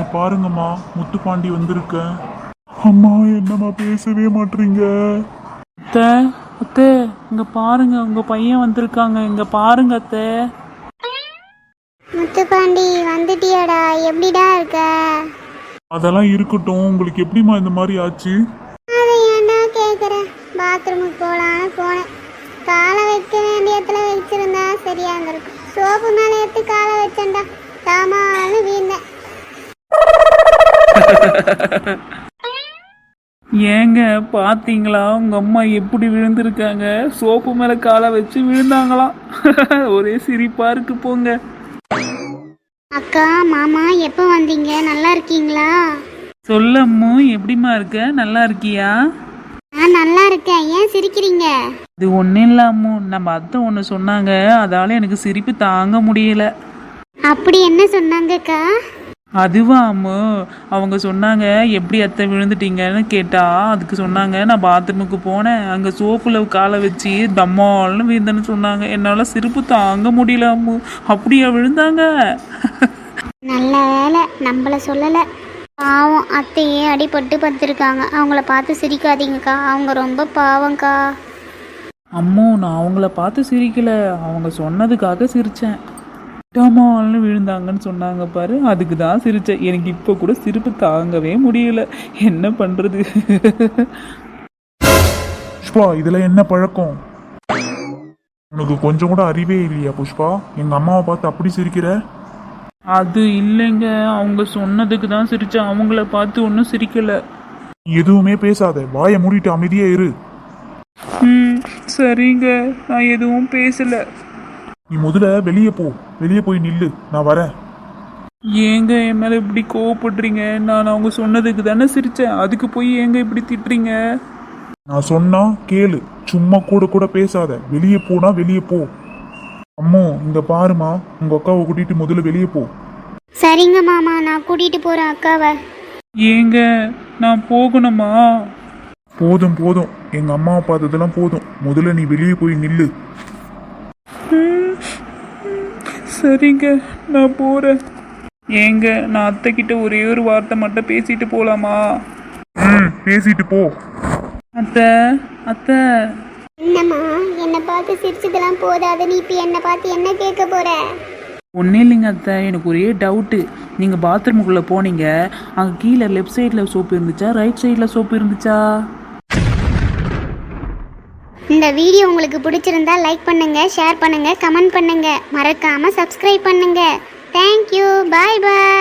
பாருங்கம்மா, முத்துப்பாண்டி வந்திருக்கேன். அம்மா என்னம்மா பேசவே மாட்டீங்க? அத்தை அத்தை இங்க பாருங்க, உங்க பையன் வந்திருக்காங்க, இங்க பாருங்க அத்தை. முத்துப்பாண்டி வந்துட்டியாடா? எப்படிடா இருக்க? அதெல்லாம் இருக்கட்டும், உங்களுக்கு எப்படிம்மா இந்த மாதிரி ஆச்சு? அதை ஏன்டா கேட்குற? பாத்ரூமுக்கு போகலான்னு போனேன். காலை வைக்க வேண்டிய இடத்துல வச்சிருந்தா சரியா இருந்திருக்கும். சோப்பு மேலே எடுத்து காலை வச்சேன்டா, தாமான்னு வீழ்ந்தேன். ஏங்க பாத்தீங்களா உங்க அம்மா எப்படி விழுந்திருக்காங்க? சோப்பு மேல காலை வச்சு விழுந்தாங்களாம். ஒரே சிரிப்பா இருக்கு போங்க. அக்கா மாமா எப்போ வந்தீங்க? நல்லா இருக்கீங்களா? சொல்லம்மு, எப்படிம்மா இருக்க? நல்லா இருக்கியா? நான் நல்லா இருக்கேன். ஏன் சிரிக்கிறீங்க? இது ஒன்றும் இல்லாமோ, நம்ம அத்தை ஒன்று சொன்னாங்க, அதால எனக்கு சிரிப்பு தாங்க முடியல. அப்படி என்ன சொன்னாங்கக்கா? அதுவா அம்மு, அவங்க சொன்னாங்க எப்படி அத்தை விழுந்துட்டீங்கன்னு கேட்டா, அதுக்கு சொன்னாங்க நான் பாத்ரூமுக்கு போனேன், அங்கே சோப்புல காலை வச்சு தம்மால்னு விழுந்தேன்னு சொன்னாங்க. என்னால் சிரிப்பு தாங்க முடியல அம்மு. அப்படியா விழுந்தாங்க? நல்ல வேலை நம்மள சொல்லலை. பாவம், அத்தையே அடிபட்டு படுத்திருக்காங்க. அவங்கள பார்த்து சிரிக்காதீங்கக்கா, அவங்க ரொம்ப பாவம்க்கா. அம்மோ, நான் அவங்கள பார்த்து சிரிக்கல, அவங்க சொன்னதுக்காக சிரித்தேன். டமால்னு விழுந்தாங்கன்னு சொன்னாங்க பாரு, அதுக்கு தான் சிரித்தேன். எனக்கு இப்போ கூட சிரிப்பு தாங்கவே முடியல. என்ன பண்ணுறது? புஷ்பா, இதுல என்ன பழக்கம்? உனக்கு கொஞ்சம் கூட அறிவே இல்லையா புஷ்பா? எங்க அம்மாவை பார்த்து அப்படி சிரிக்கிற? அது இல்லைங்க, அவங்க சொன்னதுக்கு தான் சிரித்தேன், அவங்கள பார்த்து ஒன்றும் சிரிக்கல. நீ எதுவுமே பேசாத, வாயை மூடிட்டு அமைதியா இரு. சரிங்க, நான் எதுவும் பேசல. நீ முதல்ல வெளியே போ, வெளியே போய் நில்லு, நான் வரேன். ஏங்க என் மேலே இப்படி கோவப்படுறீங்க? நான் அவங்க சொன்னதுக்கு தானே சிரித்தேன், அதுக்கு போய் ஏங்க இப்படி திட்டுறீங்க? நான் சொன்னா கேளு, சும்மா கூட கூட பேசாத. வெளியே போனா வெளியே போ. அம்மோ, இங்க பாருமா, உங்க அக்காவை கூட்டிட்டு முதல்ல வெளியே போ. சரிங்க மாமா, நான் கூட்டிட்டு போறேன் அக்காவை. ஏங்க நான் போகணுமா? போதும் போதும், எங்க அம்மாவை பார்த்ததெல்லாம் போதும், முதல்ல நீ வெளியே போய் நில்லு. சரிங்க, நான் போகிறேன். ஏங்க நான் அத்தை கிட்ட ஒரே ஒரு வார்த்தை மட்டும் பேசிட்டு போகலாமா? பேசிட்டு போ. அத்தை அத்தை. என்னம்மா, என்னை பார்த்து சிரிச்சதெல்லாம் போதாது, நீ இப்போ என்னை பார்த்து என்ன கேட்க போற? ஒன்றும் இல்லைங்க அத்தை, எனக்கு ஒரே டவுட்டு. நீங்கள் பாத்ரூமுக்குள்ளே போனீங்க, அங்கே கீழே லெஃப்ட் சைடில் சோப்பு இருந்துச்சா, ரைட் சைடில் சோப்பு இருந்துச்சா? இந்த வீடியோ உங்களுக்கு பிடிச்சிருந்தா லைக் பண்ணுங்க, ஷேர் பண்ணுங்க, கமெண்ட் பண்ணுங்க, மறக்காம சப்ஸ்கிரைப் பண்ணுங்க. தேங்க்யூ, பாய் பாய்.